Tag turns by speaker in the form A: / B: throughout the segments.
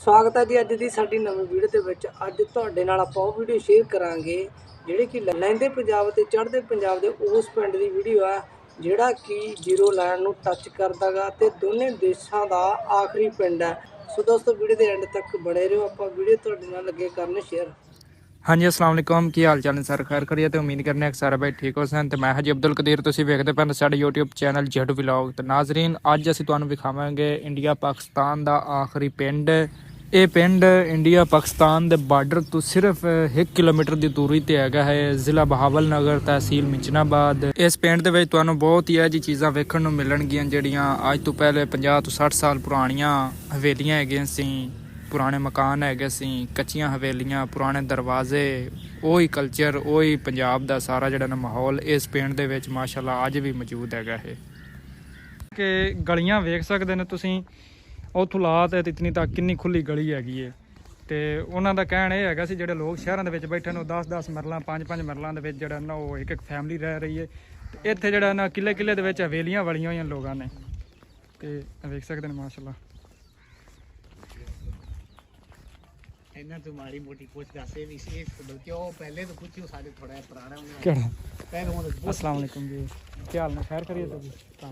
A: स्वागत है जी अज की साडी नवीं वीडियो के विच। अज तुहाडे नाल आपां ओह वीडियो शेयर करांगे जिहड़ी कि लैंदे पंजाब ते चढ़दे पंजाब दे उस पिंड दी वीडियो है जिहड़ा कि जीरो लाइन नूं टच करदा गा ते दोने देशां दा आखिरी पिंड है। सो दोस्तों वीडियो के एंड तक बने रहो, आपां वीडियो तुहाडे नाल लगे करन शेयर।
B: हाँ जी अस्सलाम वालेकुम, की हाल चाल ने सर? खैर करिए तो उम्मीद करने कि सारे भाई ठीक हो सन। तो मैं जी अब्दुल कदीर, तुसीं वेखदे पे साडे यूट्यूब चैनल जेड व्लॉग। तो नाजरीन अज असीं तुहानूं विखावांगे इंडिया पाकिस्तान दा आखिरी पिंड। ये पिंड इंडिया पाकिस्तान दे बार्डर तो सिर्फ 1 किलोमीटर की दूरी ते हैगा है। जिला बहावल नगर, तहसील मिंचनाबाद। इस पिंड दे विच तुहानूं बहुत ही ऐसी चीज़ां वेखण नूं मिलणगियां जिहड़ियां अज तो पहले 50 तो 60 साल पुरानियां हवेलियां हैगियां सी, पुराने मकान है सी, कच्चियां हवेलियां, पुराने दरवाजे, वही कल्चर, वही पंजाब का सारा जो माहौल इस पिंड दे विच माशाअल्लाह अज भी मौजूद है। कि गलियां वेख सकते हैं तुसीं, उत्थों ला ते इतनी तक कितनी खुली गली हैगी है। तो उन्हों का कहना यह है जोड़े लोग शहरों के बैठे ने 10-10 मरलों 5-5 मरलों के जोड़ा ना वो एक फैमिली रह रही है। तो इत्थे जोड़ा ना किले किले के हवेलियां बलियां हुई लोगों ने, तो वेख सकते हैं माशाअल्लाह।
C: ਇਹਨਾਂ ਤੋਂ ਮਾੜੀ ਮੋਟੀ ਪੁੱਛ ਦੱਸੇ ਵੀ ਸੀ, ਬਲਕਿ ਉਹ ਪਹਿਲੇ ਤੋਂ ਪੁੱਛਿਓ ਸਾਡੇ ਥੋੜਾ ਜਿਹਾ ਪੁਰਾਣਾ ਉਹਨੇ
B: ਕਿਹੜਾ?
C: ਪਹਿਲੇ ਉਹ
B: अस्सलाम वालेकुम जी, क्या हाल है? खैर करिए तो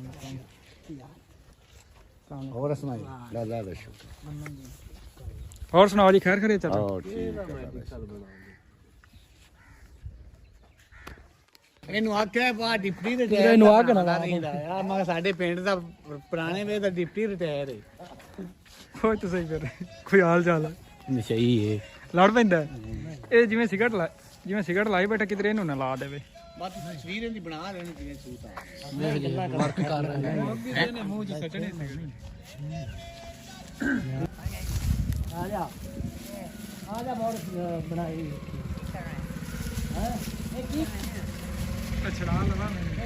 C: ਹੋਰ ਸੁਣਾਈ ਲਾ
B: और सुनाओ जी, खैर करिए चाचा?
C: ਇਹਨੂੰ ਆਖਿਆ ਬਾ ਡਿਪਟੀ ਦੇ
B: ਇਹਨੂੰ ਆ ਕੇ ਨਾ ਲਾ
C: ਨਹੀਂ ਲਾਇਆ। ਮੈਂ ਸਾਡੇ ਪਿੰਡ ਦਾ ਪੁਰਾਣੇ ਵੇ ਦਾ ਡਿਪਟੀ ਰਿਟਾਇਰ ਹੈ।
B: कोई तो सही फिर कोई हाल चाल है
C: ਨਸ਼ਈ ਹੈ
B: लड़ पैंदा ये जिवें सिगरट लाई बैठा किधर इन्हों ना ला देवे।
C: ਬਸ ਤਸਵੀਰ ਇਹਦੀ ਬਣਾ ਲੈਣੀ ਜਿਵੇਂ ਸੂਤ ਆ
B: वर्क कर रहे हैं ने मुंह जी सचने
C: ਆ ਜਾ ਬਹੁਤ ਬਣਾਈ ਹੈ ਇਹ ਕੀ
B: छड़ा लवा मैंने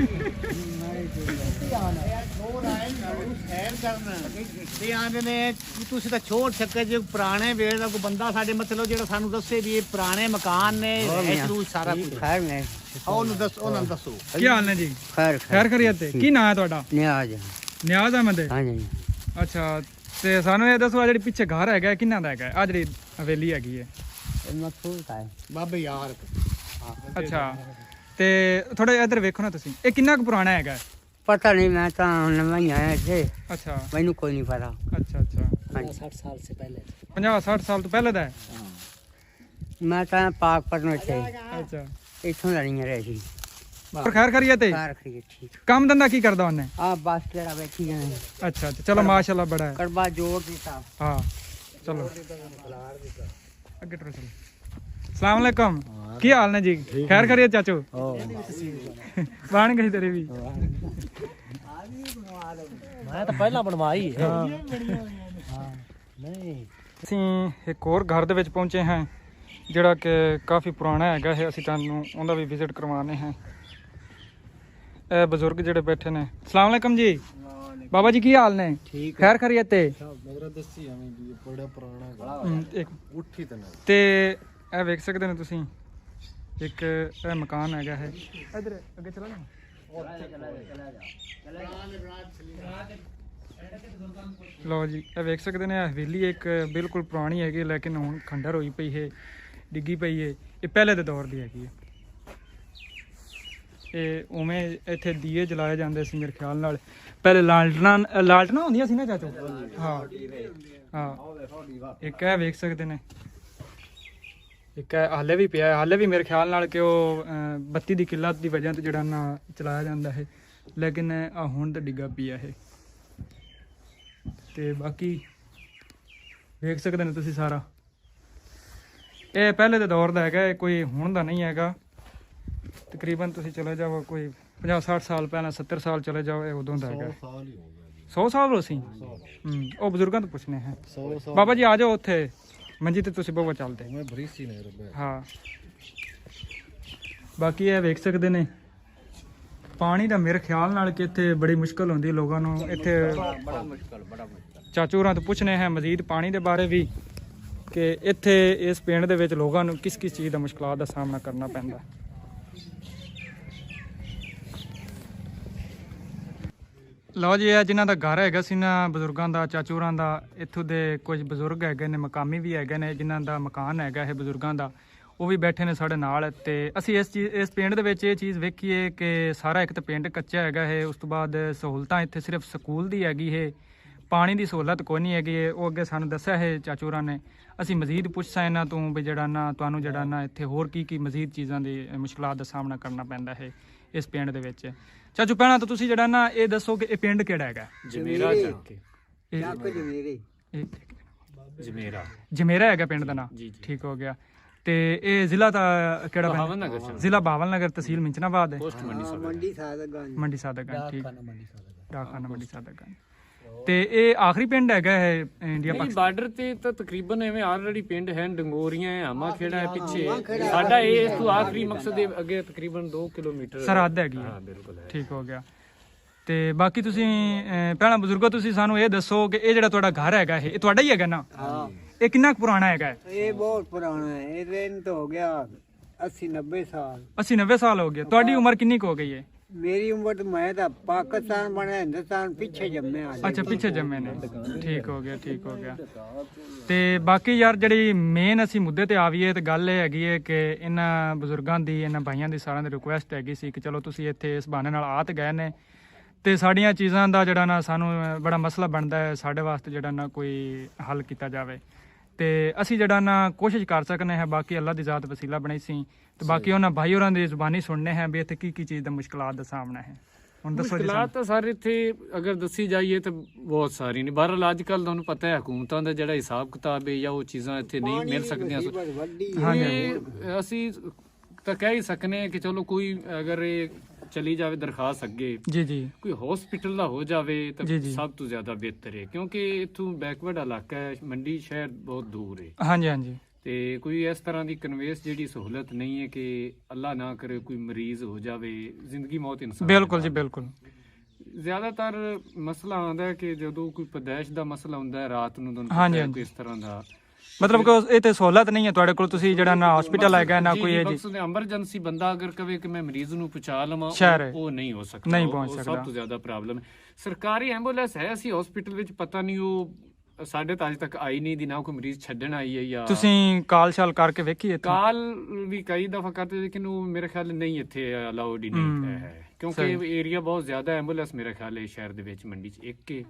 C: ਸੈਰ ਕਰਨਾ ਤੇ ਆਂਦੇ ਨੇ ਕਿ ਤੁਸੀਂ ਤਾਂ ਛੋੜ ਸਕੇ ਜੇ ਪੁਰਾਣੇ ਵੇਲੇ ਦਾ ਕੋਈ ਬੰਦਾ ਸਾਡੇ ਮਤਲਬ ਜਿਹੜਾ ਸਾਨੂੰ ਦੱਸੇ ਵੀ ਇਹ ਪੁਰਾਣੇ ਮਕਾਨ ਨੇ ਇਹ ਸਾਰਾ ਕੁਝ
D: खैर ने
C: ਉਹਨੂੰ ਦੱਸ ਉਹਨਾਂ ਨੂੰ ਦੱਸੋ
B: की हाल ने जी?
D: खैर
B: खैर करिए ते की नाम है ਤੁਹਾਡਾ?
D: न्याज
B: ਨਿਆਜ਼ ਅਹਿਮਦ।
D: हाँ जी
B: ਅੱਛਾ ਤੇ ਸਾਨੂੰ ਇਹ ਦੱਸੋ ਆ ਜਿਹੜੀ ਪਿੱਛੇ ਘਰ ਹੈਗਾ ਕਿੰਨਾ ਦਾ ਹੈਗਾ? ਆ ਜਿਹੜੀ ਹਵੇਲੀ ਹੈਗੀ ਹੈ।
D: मकसूद का है
C: ਬਾਬੇ ਯਾਰ
B: ਅੱਛਾ ਤੇ ਥੋੜਾ ਇੱਧਰ ਵੇਖੋ ਨਾ ਤੁਸੀਂ, ਇਹ ਕਿੰਨਾ ਕੁ ਪੁਰਾਣਾ ਹੈਗਾ?
D: पता नहीं, मैं तो नवा ही आया थे,
B: ਅੱਛਾ
D: मैनू कोई नहीं पता।
B: ਅੱਛਾ ਅੱਛਾ
D: हाँ जी
C: 60 ਸਾਲ ਸੇ ਪਹਿਲੇ
B: 50-60 ਸਾਲ ਤੋਂ ਪਹਿਲੇ ਦਾ ਹੈ।
D: मैं तो पाकपत में थे,
B: ਅੱਛਾ
D: इतों नहीं रहे थी।
B: ਪਰ ਖੈਰ ਕਰੀਏ ਤੇ
D: कार खरीद ठीक
B: ਕੰਮ ਧੰਦਾ ਕੀ ਕਰਦਾ ਉਹਨੇ?
D: आप बस केड़ा बैठी गए
B: ਅੱਛਾ ਅੱਛਾ ਚਲੋ ਮਾਸ਼ਾਅੱਲਾ ਬੜਾ ਹੈ।
D: करबा जोड़ देता।
B: हाँ चलो अगे टुरो चलो। अस्सलाम वालेकुम, की हाल ने जी? खैर करिए चाचू? बन गई तेरी भी?
C: ਮੈਂ ਤਾਂ ਪਹਿਲਾਂ ਬਣਵਾਈ ਹੈ
B: नहीं ਅਸੀਂ ਇੱਕ ਹੋਰ ਘਰ ਦੇ ਵਿੱਚ ਪਹੁੰਚੇ ਹਾਂ ਜਿਹੜਾ ਕਿ ਕਾਫੀ ਪੁਰਾਣਾ ਹੈਗਾ ਹੈ। ਅਸੀਂ ਤੁਹਾਨੂੰ ਉਹਦਾ ਵੀ ਵਿਜ਼ਿਟ ਕਰਵਾਉਣੇ ਹਾਂ। ਇਹ ਬਜ਼ੁਰਗ ਜਿਹੜੇ ਬੈਠੇ ਨੇ। अस्सलाम वालेकुम जी, बाबा जी की हाल ने?
C: ठीक
B: खैर करिए ते एक ਤੇ ਇਹ ਵੇਖ ਸਕਦੇ ਨੇ ਤੁਸੀਂ ਇੱਕ ਇਹ ਮਕਾਨ ਹੈਗਾ ਹੈ। ਇਧਰ ਅੱਗੇ ਚਲਾ ਨਾ। ਲਓ ਜੀ ਇਹ ਵੇਖ ਸਕਦੇ ਨੇ ਹਵੇਲੀ ਇੱਕ ਬਿਲਕੁਲ ਪੁਰਾਣੀ ਹੈਗੀ ਲੇਕਿਨ ਹੁਣ ਖੰਡਰ ਹੋਈ ਪਈ ਹੈ, ਡਿੱਗੀ ਪਈ ਹੈ। ਇਹ ਪਹਿਲੇ ਦੇ ਦੌਰ ਦੀ ਹੈਗੀ ਹੈ। ਇਹ ਉਵੇਂ ਇੱਥੇ ਦੀਏ ਜਲਾਏ ਜਾਂਦੇ ਸੀ ਮੇਰੇ ਖਿਆਲ ਨਾਲ। ਪਹਿਲੇ ਲਾਲਟਨਾਂ ਹੁੰਦੀਆਂ ਸੀ ਨਾ ਚਾਚੋ? ਹਾਂ ਹਾਂ ਇੱਕ ਇਹ ਵੇਖ ਸਕਦੇ ਨੇ, ਇੱਕ ਹਾਲੇ ਵੀ ਪਿਆ, ਹਾਲੇ ਵੀ ਮੇਰੇ ਖਿਆਲ ਨਾਲ ਕਿ ਉਹ ਬੱਤੀ ਦੀ ਕਿੱਲਤ ਦੀ ਵਜ੍ਹਾ ਤੋਂ ਜਿਹੜਾ ਨਾ ਚਲਾਇਆ ਜਾਂਦਾ ਹੈ, ਲੇਕਿਨ ਹੁਣ ਤਾਂ ਡਿੱਗਾ ਪਿਆ ਇਹ। ਤੇ ਬਾਕੀ ਵੇਖ ਸਕਦੇ ਨੇ ਤੁਸੀਂ ਸਾਰਾ ਇਹ ਪਹਿਲੇ ਦੇ ਦੌਰ ਦਾ ਹੈਗਾ, ਇਹ ਕੋਈ ਹੁਣ ਦਾ ਨਹੀਂ ਹੈਗਾ। ਤਕਰੀਬਨ ਤੁਸੀਂ ਚਲੇ ਜਾਓ ਕੋਈ 50-60 ਸਾਲ ਪਹਿਲਾਂ, 70 ਸਾਲ ਚਲੇ ਜਾਓ, ਇਹ ਉਦੋਂ ਦਾ ਹੈਗਾ। 100 ਸਾਲ ਹੋ ਸੀ। ਉਹ ਬਜ਼ੁਰਗਾਂ ਤੋਂ ਪੁੱਛਣੇ ਹੈ। ਬਾਬਾ ਜੀ ਆ ਜਾਓ ਉੱਥੇ ਮੰਜੀ ਤੇ ਤੁਸੀਂ ਬਹੁਤ ਚੱਲਦੇ। ਹਾਂ ਬਾਕੀ ਇਹ ਵੇਖ ਸਕਦੇ ਨੇ ਪਾਣੀ ਦਾ ਮੇਰੇ ਖਿਆਲ ਨਾਲ ਕਿ ਇੱਥੇ ਬੜੀ ਮੁਸ਼ਕਲ ਹੁੰਦੀ ਲੋਕਾਂ ਨੂੰ। ਇੱਥੇ
C: ਬੜਾ ਮੁਸ਼ਕਲ
B: ਚਾਚੂ ਹੋਰਾਂ ਤੋਂ ਪੁੱਛਣੇ ਹੈ ਮਜ਼ੀਦ ਪਾਣੀ ਦੇ ਬਾਰੇ ਵੀ ਕਿ ਇੱਥੇ ਇਸ ਪਿੰਡ ਦੇ ਵਿੱਚ ਲੋਕਾਂ ਨੂੰ ਕਿਸ ਕਿਸ ਚੀਜ਼ ਦਾ ਮੁਸ਼ਕਲਾਂ ਦਾ ਸਾਹਮਣਾ ਕਰਨਾ ਪੈਂਦਾ। ਲਓ ਜੀ, ਇਹ ਜਿਨ੍ਹਾਂ ਦਾ ਘਰ ਹੈਗਾ ਸੀ ਨਾ ਬਜ਼ੁਰਗਾਂ ਦਾ, ਚਾਚੂਰਾਂ ਦਾ, ਇੱਥੋਂ ਦੇ ਕੁਝ ਬਜ਼ੁਰਗ ਹੈਗੇ ਨੇ, ਮਕਾਮੀ ਵੀ ਹੈਗੇ ਨੇ, ਜਿਨ੍ਹਾਂ ਦਾ ਮਕਾਨ ਹੈਗਾ ਇਹ ਬਜ਼ੁਰਗਾਂ ਦਾ, ਉਹ ਵੀ ਬੈਠੇ ਨੇ ਸਾਡੇ ਨਾਲ। ਤੇ ਅਸੀਂ ਇਸ ਪਿੰਡ ਦੇ ਵਿੱਚ ਇਹ ਚੀਜ਼ ਵੇਖੀਏ ਕਿ ਸਾਰਾ ਇੱਕ ਤਾਂ ਪਿੰਡ ਕੱਚਾ ਹੈਗਾ ਹੈ, ਉਸ ਤੋਂ ਬਾਅਦ ਸਹੂਲਤਾਂ ਇੱਥੇ ਸਿਰਫ ਸਕੂਲ ਦੀ ਹੈਗੀ ਹੈ, ਪਾਣੀ ਦੀ ਸਹੂਲਤ ਕੋਈ ਨਹੀਂ ਹੈਗੀ ਹੈ। ਉਹ ਅੱਗੇ ਸਾਨੂੰ ਦੱਸਿਆ ਹੈ ਚਾਚੂਰਾਂ ਨੇ। ਅਸੀਂ ਮਜ਼ੀਦ ਪੁੱਛਾਂ ਇਹਨਾਂ ਤੋਂ ਵੀ ਜਿਹੜਾ ਨਾ ਤੁਹਾਨੂੰ ਜਿਹੜਾ ਨਾ ਇੱਥੇ ਹੋਰ ਕੀ ਮਜ਼ੀਦ ਚੀਜ਼ਾਂ ਦੀ ਮੁਸ਼ਕਲਾਂ ਦਾ ਸਾਹਮਣਾ ਕਰਨਾ ਪੈਂਦਾ ਹੈ ਇਸ ਪਿੰਡ ਦੇ ਵਿੱਚ। ਚਾਚੂ ਪਹਿਲਾਂ ਤਾਂ ਤੁਸੀਂ ਜਿਹੜਾ ਨਾ ਇਹ ਦੱਸੋ ਕਿ ਇਹ ਪਿੰਡ ਕਿਹੜਾ ਹੈਗਾ?
C: ਜਮੇਰਾ ਚੱਕੇ
B: ਜਮੇਰਾ ਹੈਗਾ ਪਿੰਡ ਦਾ ਨਾਂ। ਠੀਕ ਹੋ ਗਿਆ। ਤੇ ਇਹ ਜ਼ਿਲ੍ਹਾ ਦਾ ਕਿਹੜਾ ਪਿੰਡ? ਜ਼ਿਲ੍ਹਾ ਬਾਵਲ ਨਗਰ, ਤਹਿਸੀਲ ਮਿੰਚਨਾਬਾਦ ਹੈ, ਮੰਡੀ ਸਾਦਗੰਜ। ਠੀਕ, ਡਾਕਖਾਨਾ ਮੰਡੀ ਸਾਦਗੰਜ। ਤੇ ਇਹ ਆਖਰੀ ਪਿੰਡ ਹੈਗਾ ਹੈ ਇੰਡੀਆ ਪਾਕਿਸਤਾਨ
E: ਬਾਰਡਰ ਤੇ ਤਾਂ ਤਕਰੀਬਨ ਐਵੇਂ ਆਲਰੇਡੀ ਪਿੰਡ ਹੈ, ਡੰਗੋਰੀਆਂ ਹੈ, ਆਮਾ ਖੇੜਾ ਹੈ ਪਿੱਛੇ ਸਾਡਾ। ਇਹ ਇਸ ਤੋਂ ਆਖਰੀ ਮਕਸਦ ਦੇ ਅੱਗੇ ਤਕਰੀਬਨ 2 ਕਿਲੋਮੀਟਰ
B: ਸਰਹੱਦ ਹੈਗੀ ਹੈ।
E: ਬਿਲਕੁਲ ਹੈ।
B: ਠੀਕ ਹੋ ਗਿਆ। ਤੇ ਬਾਕੀ ਤੁਸੀਂ ਪਹਿਲਾਂ ਬਜ਼ੁਰਗੋ ਤੁਸੀਂ ਸਾਨੂੰ ਇਹ ਦੱਸੋ ਕਿ ਇਹ ਜਿਹੜਾ ਤੁਹਾਡਾ ਘਰ ਹੈਗਾ ਇਹ ਤੁਹਾਡਾ ਹੀ ਹੈਗਾ ਨਾ?
D: ਹਾਂ,
B: ਇਹ ਕਿੰਨਾ ਕੁ ਪੁਰਾਣਾ ਹੈਗਾ?
D: ਇਹ ਬਹੁਤ ਪੁਰਾਣਾ ਹੈ। ਇਹ ਦਿਨ ਤੋਂ ਹੋ ਗਿਆ 80-90 ਸਾਲ।
B: 80-90 ਸਾਲ ਹੋ ਗਏ। ਤੁਹਾਡੀ ਉਮਰ ਕਿੰਨੀ ਕੁ ਹੋ ਗਈ ਹੈ?
D: ਮੇਰੀ ਉਮਰ ਤਾਂ ਮੈਂ ਤਾਂ ਪਾਕਿਸਤਾਨ ਬਣਿਆ, ਹਿੰਦੁਸਤਾਨ ਪਿੱਛੇ ਜੰਮਿਆ।
B: ਅੱਛਾ, ਪਿੱਛੇ ਜੰਮੇ ਨੇ। ਠੀਕ ਹੋ ਗਿਆ, ਠੀਕ ਹੋ ਗਿਆ। ਤੇ ਬਾਕੀ ਯਾਰ ਜਿਹੜੀ ਮੇਨ ਅਸੀਂ ਮੁੱਦੇ ਤੇ ਆਵੀਏ ਤੇ ਗੱਲ ਇਹ ਹੈਗੀ ਹੈ ਕਿ ਇਹਨਾਂ ਬਜ਼ੁਰਗਾਂ ਦੀ, ਇਹਨਾਂ ਭਾਈਆਂ ਦੀ, ਸਾਰਿਆਂ ਦੀ ਰਿਕੁਐਸਟ ਹੈਗੀ ਸੀ ਕਿ ਚਲੋ ਤੁਸੀਂ ਇੱਥੇ ਇਸ ਬਹਾਨੇ ਨਾਲ ਆ ਤੇ ਗਏ ਨੇ ਤੇ ਸਾਡੀਆਂ ਚੀਜ਼ਾਂ ਦਾ ਜਿਹੜਾ ਨਾ ਸਾਨੂੰ ਬੜਾ ਮਸਲਾ ਬਣਦਾ ਹੈ, ਸਾਡੇ ਵਾਸਤੇ ਜਿਹੜਾ ਨਾ ਕੋਈ ਹੱਲ ਕੀਤਾ ਜਾਵੇ। ਤੇ ਅਸੀਂ ਜਿਹੜਾ ਨਾ ਕੋਸ਼ਿਸ਼ ਕਰ ਸਕਨੇ ਹਾਂ। ਬਾਕੀ ਅੱਲਾ ਦੀ ਜ਼ਾਤ ਵਸੀਲਾ ਬਣਾਈ ਸੀ ਤੇ ਬਾਕੀ ਉਹਨਾਂ ਭਾਈ ਹੋਰਾਂ ਦੀ ਜ਼ੁਬਾਨੀ ਸੁਣਨੇ ਹੈ ਵੀ ਇੱਥੇ ਕੀ ਚੀਜ਼ ਦਾ ਮੁਸ਼ਕਲਾਤ ਦਾ ਸਾਹਮਣਾ ਹੈ। ਹੁਣ ਦੱਸੋ ਜੀ।
E: ਮੁਸ਼ਕਲਾਤ ਤਾਂ ਸਾਰੇ ਇੱਥੇ ਅਗਰ ਦੱਸੀ ਜਾਈਏ ਤਾਂ ਬਹੁਤ ਸਾਰੀ ਨੇ। ਬਹਰਹਾਲ ਅੱਜ ਕੱਲ੍ਹ ਤੁਹਾਨੂੰ ਪਤਾ ਹੈ ਹਕੂਮਤਾਂ ਦਾ ਜਿਹੜਾ ਹਿਸਾਬ ਕਿਤਾਬ ਹੈ ਜਾਂ ਉਹ ਚੀਜ਼ਾਂ ਇੱਥੇ ਨਹੀਂ ਮਿਲ ਸਕਦੀਆਂ। ਅਸੀਂ ਤਾਂ ਕਹਿ ਹੀ ਸਕਨੇ ਹਾਂ ਕਿ ਚਲੋ ਕੋਈ ਅਗਰ ਇਹ ਚਲੀ ਜਾਵੇ ਦਰਖਾਸਤ ਅੱਗੇ, ਜੀ ਕੋਈ ਹਸਪੀਟਲ ਦਾ ਹੋ ਜਾਵੇ ਤਾਂ ਸਭ ਤੋਂ ਜ਼ਿਆਦਾ ਬਿਹਤਰ ਹੈ, ਕਿਉਂਕਿ ਇੱਥੋਂ ਬੈਕਵਰਡ ਇਲਾਕਾ ਹੈ, ਮੰਡੀ ਸ਼ਹਿਰ ਬਹੁਤ ਦੂਰ ਹੈ। ਹਾਂਜੀ। ਤੇ ਕੋਈ ਇਸ ਤਰ੍ਹਾਂ ਦੀ ਕਨਵੇਸ ਜਿਹੜੀ ਸਹੂਲਤ ਨਹੀਂ ਹੈ ਕਿ ਅੱਲਾ ਨਾ ਕਰੇ ਕੋਈ ਮਰੀਜ਼ ਹੋ ਜਾਵੇ, ਜ਼ਿੰਦਗੀ ਮੌਤ ਇਨਸਾਨ। ਬਿਲਕੁਲ ਜੀ, ਬਿਲਕੁਲ। ਜ਼ਿਆਦਾਤਰ ਮਸਲਾ ਆਉਂਦਾ ਹੈ ਕਿ ਜਦੋਂ ਕੋਈ ਪਦੈਸ਼ ਦਾ ਮਸਲਾ ਹੁੰਦਾ ਹੈ ਰਾਤ ਨੂੰ, ਤੁਹਾਨੂੰ ਇਸ ਤਰ੍ਹਾਂ ਦਾ
B: ਮਤਲਬ ਕਿ ਇਹ ਤੇ ਸਹੂਲਤ ਨਹੀਂ ਹੈ ਤੁਹਾਡੇ ਕੋਲ, ਤੁਸੀਂ ਜਿਹੜਾ ਨਾ ਹਸਪੀਟਲ ਹੈਗਾ ਨਾ ਕੋਈ ਇਹ ਜੀ
E: ਐਮਰਜੈਂਸੀ ਬੰਦਾ ਅਗਰ ਕਵੇ ਕਿ ਮੈਂ ਮਰੀਜ਼ ਨੂੰ ਪਹੁੰਚਾ ਲਵਾਂ, ਉਹ ਨਹੀਂ ਹੋ ਸਕਦਾ,
B: ਨਹੀਂ ਪਹੁੰਚ ਸਕਦਾ।
E: ਸਭ ਤੋਂ ਜ਼ਿਆਦਾ ਪ੍ਰੋਬਲਮ ਹੈ। ਸਰਕਾਰੀ ਐਂਬੂਲੈਂਸ ਹੈ, ਅਸੀਂ ਹਸਪੀਟਲ ਵਿੱਚ ਪਤਾ ਨਹੀਂ ਉਹ ਸਾਡੇ ਤਾਂ ਅੱਜ ਤੱਕ ਆਈ ਨਹੀਂ ਦੀ, ਨਾ ਕੋਈ ਮਰੀਜ਼ ਛੱਡਣ ਆਈ ਹੈ। ਜਾਂ
B: ਤੁਸੀਂ ਕਾਲ ਸ਼ਾਲ ਕਰਕੇ ਵੇਖੀ?
E: ਕਾਲ ਵੀ ਕਈ ਦਫਾ ਕਰਤੇ ਲੇਕਿਨ ਉਹ ਮੇਰੇ ਖਿਆਲ ਨਹੀਂ ਇੱਥੇ ਅਲਾਉਡ ਹੀ ਨਹੀਂ ਹੈ, ਕਿਉਂਕਿ ਏਰੀਆ ਬਹੁਤ ਜ਼ਿਆਦਾ। ਐਂਬੂਲੈਂਸ ਮੇਰੇ ਖਿਆਲ ਹੈ ਸ਼ਹਿਰ ਦੇ ਵਿੱਚ ਮੰਡੀ 'ਚ ਇੱਕ ਹੈ।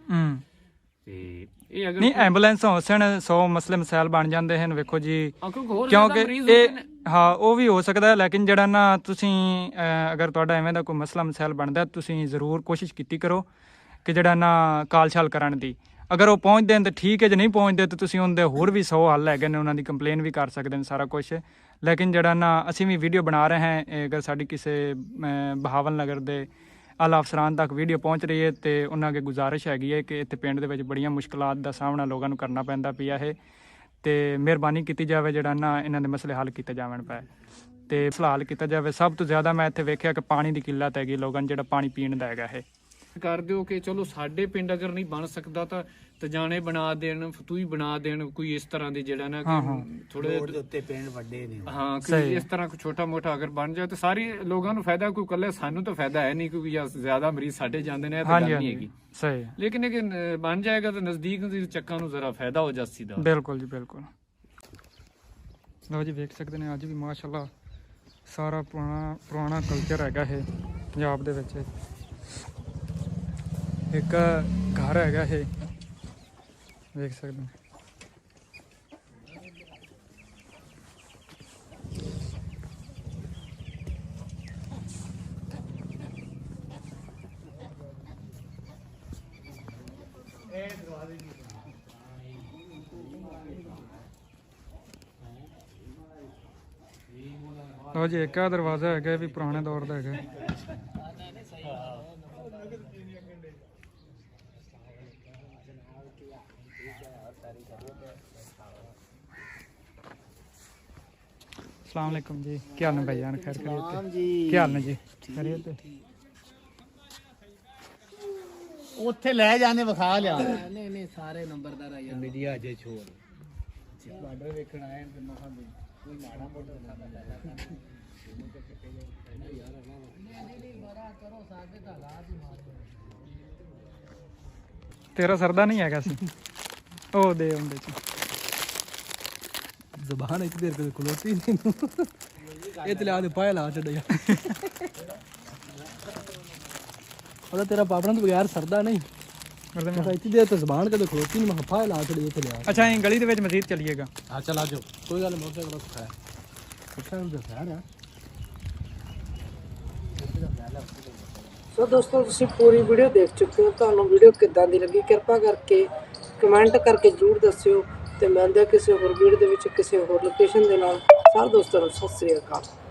E: ਤੇ ਇਹ ਅਗਰ
B: ਨਹੀਂ ਐਂਬੂਲੈਂਸ ਹੋਸਣ 100 ਮਸਲੇ ਮਸਾਇਲ ਬਣ ਜਾਂਦੇ ਹਨ। ਵੇਖੋ ਜੀ, ਕਿਉਂਕਿ ਇਹ ਹਾਂ ਉਹ ਵੀ ਹੋ ਸਕਦਾ ਹੈ, ਲੇਕਿਨ ਜਿਹੜਾ ਨਾ ਤੁਸੀਂ ਅਗਰ ਤੁਹਾਡਾ ਐਵੇਂ ਦਾ ਕੋਈ ਮਸਲਾ ਮਸਾਇਲ ਬਣਦਾ, ਤੁਸੀਂ ਜ਼ਰੂਰ ਕੋਸ਼ਿਸ਼ ਕੀਤੀ ਕਰੋ ਕਿ ਜਿਹੜਾ ਨਾ ਕਾਲ ਛਾਲ ਕਰਨ ਦੀ। ਅਗਰ ਉਹ ਪਹੁੰਚਦੇ ਨੇ ਤਾਂ ਠੀਕ ਹੈ, ਜੇ ਨਹੀਂ ਪਹੁੰਚਦੇ ਤਾਂ ਤੁਸੀਂ ਉਹਦੇ ਹੋਰ ਵੀ 100 ਹੱਲ ਹੈਗੇ ਨੇ, ਉਹਨਾਂ ਦੀ ਕੰਪਲੇਨ ਵੀ ਕਰ ਸਕਦੇ ਨੇ, ਸਾਰਾ ਕੁਛ। ਲੇਕਿਨ ਜਿਹੜਾ ਨਾ ਅਸੀਂ ਵੀ ਵੀਡੀਓ ਬਣਾ ਰਹੇ ਹਾਂ, ਅਗਰ ਸਾਡੀ ਕਿਸੇ ਬਹਾਵਲ ਨਗਰ ਦੇ ਆਲਾ ਅਫਸਰਾਨ ਤੱਕ ਵੀਡੀਓ ਪਹੁੰਚ ਰਹੀ ਹੈ ਤੇ ਉਹਨਾਂ ਅੱਗੇ ਗੁਜ਼ਾਰਿਸ਼ ਹੈਗੀ ਹੈ ਕਿ ਇੱਥੇ ਪਿੰਡ ਦੇ ਵਿੱਚ ਬੜੀਆਂ ਮੁਸ਼ਕਲਾਤ ਦਾ ਸਾਹਮਣਾ ਲੋਕਾਂ ਨੂੰ ਕਰਨਾ ਪੈਂਦਾ ਪਿਆ ਹੈ ਤੇ ਮਿਹਰਬਾਨੀ ਕੀਤੀ ਜਾਵੇ ਜਿਹੜਾ ਨਾ ਇਹਨਾਂ ਦੇ ਮਸਲੇ ਹੱਲ ਕੀਤੇ ਜਾਵਣ ਪਏ ਤੇ ਮਸਲਾ ਹੱਲ ਕੀਤਾ ਜਾਵੇ। ਸਭ ਤੋਂ ਜ਼ਿਆਦਾ ਮੈਂ ਇੱਥੇ ਵੇਖਿਆ ਕਿ ਪਾਣੀ ਦੀ ਕਿੱਲਤ ਹੈਗੀ ਲੋਕਾਂ ਨੂੰ, ਜਿਹੜਾ ਪਾਣੀ ਪੀਣ ਦਾ ਹੈਗਾ ਇਹ
E: ਕਰ ਦਿਓ ਕਿ ਚਲੋ ਸਾਡੇ ਪਿੰਡ ਅਗਰ ਨਹੀਂ ਬਣ ਸਕਦਾ ਤਾਂ ਤਜਾਣੇ ਬਣਾ ਦੇਣ, ਫਤੂਈ ਬਣਾ ਦੇਣ, ਕੋਈ ਇਸ ਤਰ੍ਹਾਂ ਦੇ ਜਿਹੜਾ ਨਾ ਥੋੜੇ
C: ਉੱਤੇ ਪਿੰਡ ਵੱਡੇ ਨੇ।
E: ਹਾਂ, ਕੋਈ ਇਸ ਤਰ੍ਹਾਂ ਛੋਟਾ ਮੋਟਾ ਅਗਰ ਬਣ ਜਾਏ ਤਾਂ ਸਾਰੇ ਲੋਕਾਂ ਨੂੰ ਫਾਇਦਾ, ਕੋਈ ਇਕੱਲੇ ਸਾਨੂੰ ਤਾਂ ਫਾਇਦਾ ਹੈ ਨਹੀਂ ਕਿਉਂਕਿ ਜ਼ਿਆਦਾ ਮਰੀਜ਼ ਸਾਡੇ ਜਾਂਦੇ ਨੇ, ਇਹ ਤਾਂ ਗੱਲ ਨਹੀਂ ਹੈਗੀ।
B: ਸਹੀ।
E: ਲੇਕਿਨ ਇਹ ਬਣ ਜਾਏਗਾ ਤਾਂ ਨਜ਼ਦੀਕ ਦੇ ਚੱਕਾਂ ਨੂੰ ਜ਼ਰਾ ਫਾਇਦਾ ਹੋ ਜਾਸੀ ਦਾ।
B: ਬਿਲਕੁਲ ਜੀ, ਬਿਲਕੁਲ। ਲਓ ਜੀ, ਵੇਖ ਸਕਦੇ ਨੇ ਅੱਜ ਵੀ ਮਾਸ਼ਾਅੱਲਾ ਸਾਰਾ ਪੁਰਾਣਾ ਕਲਚਰ ਹੈਗਾ ਇਹ ਪੰਜਾਬ ਦੇ ਵਿੱਚ। ਇੱਕ ਘਰ ਹੈਗਾ ਇਹ, ਵੇਖ ਸਕਦੇ ਹੋ। ਲਓ ਜੀ, ਇੱਕ ਆ ਦਰਵਾਜ਼ਾ ਹੈਗਾ, ਇਹ ਵੀ ਪੁਰਾਣੇ ਦੌਰ ਦਾ ਹੈਗਾ। अस्सलाम वालेकुम जी, क्या हाल है भाईजान? खैर खैरियत जी? क्या हाल है जी? खैरियत है?
C: ਉੱਥੇ ਲੈ ਜਾਣੇ ਵਿਖਾ ਲਿਆ।
A: ਨਹੀਂ ਸਾਰੇ ਨੰਬਰਦਾਰ ਆਇਆ
C: ਮੀਡੀਆ ਜੇ ਛੋੜ
A: ਬਾਰਡਰ ਵੇਖਣ ਆਏ ਤੇ ਮਖਾਂ ਵੀ ਕੋਈ ਮਾੜਾ ਮੋਟਾ ਖਾਣਾ ਲੈ ਯਾਰ ਨਹੀਂ ਬੜਾ ਕਰੋ ਸਾਡੇ ਤਾਂ ਹਾਲਾਤ ਹੀ ਮਾਰੇ।
B: ਤੇਰਾ ਸਰਦਾ ਨਹੀਂ ਹੈਗਾ ਸੀ ਉਹ ਦੇ ਹੁੰਦੇ ਚ
A: ਜ਼ਬਾਨ ਇੱਕ ਦੇਰ ਖਲੋਤੀ ਨਹੀਂ ਇਹ ਤੇ ਲਿਆ ਦੇ ਪਾਇਆ ਲਾ ਛੱਡਿਆ ਉਹਦਾ ਤੇਰਾ ਪਾਪੜਾਂ ਤੋਂ ਬਗੈਰ ਸਰਦਾ ਨਹੀਂ ਮੈਂ ਇੱਥੇ ਦੇਰ ਤੇ ਜ਼ਬਾਨ ਕਦੇ ਖਲੋਤੀ ਨਹੀਂ ਮੈਂ ਪਾਇਆ ਲਾ ਛੱਡਿਆ ਇੱਥੇ ਲਿਆ
B: ਅੱਛਾ ਇਹ ਗਲੀ ਦੇ ਵਿੱਚ ਮਸਜਿਦ ਚਲੀਏਗਾ
A: ਹਾਂ ਚਲ ਆ ਜਾਓ ਕੋਈ ਗੱਲ ਮੋਟਰਸਾਈਕਲ ਕੋਲ ਸਿਖਾਇਆ ਮੋਟਰਸਾਈਕਲ ਦਾ ਸਾਰਾ ਸੋ ਦੋਸਤੋ ਤੁਸੀਂ ਪੂਰੀ ਵੀਡੀਓ ਦੇਖ ਚੁੱਕੇ ਹੋ ਤੁਹਾਨੂੰ ਵੀਡੀਓ ਕਿੱਦਾਂ ਦੀ ਲੱਗੀ ਕਿਰਪਾ ਕਰਕੇ ਕਮੈਂਟ ਕਰਕੇ ਜ਼ਰੂਰ ਦੱਸਿਓ ਤੇ ਮਿਲਦੇ ਹਾਂ ਕਿਸੇ ਹੋਰ ਵੀਡੀਓ ਦੇ ਵਿੱਚ ਕਿਸੇ ਹੋਰ ਲੋਕੇਸ਼ਨ ਦੇ ਨਾਲ ਸਾਰੇ ਦੋਸਤਾਂ ਨੂੰ ਸਤਿ ਸ੍ਰੀ ਅਕਾਲ।